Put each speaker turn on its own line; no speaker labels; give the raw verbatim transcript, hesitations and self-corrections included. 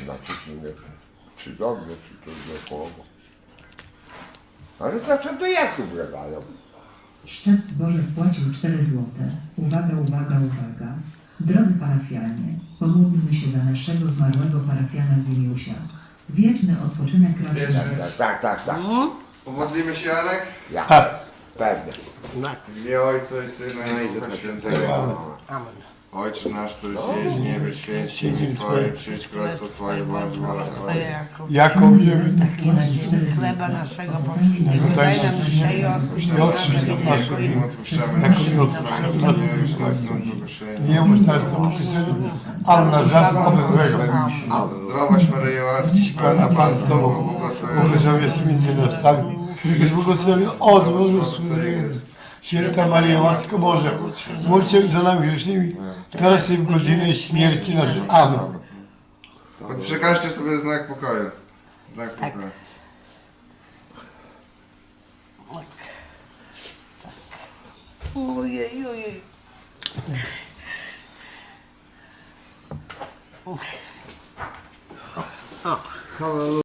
znaczy, czy nie, czy dobrze, czy to źle połowo. Ale zawsze do Jakub gadają.
Szczęść Boże wpłacił cztery złote. Uwaga, uwaga, uwaga. Drodzy parafianie, pomódlmy się za naszego zmarłego parafiana Dimiusia. Wieczny odpoczynek raczy
Wieczny.
dać.
Tak, tak, tak.
Pomodlimy się, Janek?
Ja.
Tak.
Pewnie.
W imię Ojca i Syna i Ducha Świętego.
Amen.
Ojcze nasz, któryś jest w niebie, święć się imię Twoje, przyjdź królestwo Twoje, bądź wola Twoja.
Jako wiemy,
Takie na cztery
Chleba
złote.
naszego
Potem
powszedniego
daj
daj nam dzisiaj i odpuść
i
nam
odpuść
nasze
nam
winy,
nasze
jako
Im
i
odpuszczamy
jako
nasze
i
winy,
odpuszczamy.
nie już nas są do kuszenia.
nie mów serca uczynienia, ale na żadne oby złego.
Zdrowaś Maryjo, łaskiś Pana, Pan z Tobą,
Błogosławiony
błogosławiony
jest między nastami i błogosławiony od Bożu Święta Maryjo, Matko Boża, módl się za nami grzesznymi, teraz i w godzinę śmierci naszej. Amen.
Przekażcie sobie znak pokoju. Znak pokoju.
Ojej, ojej.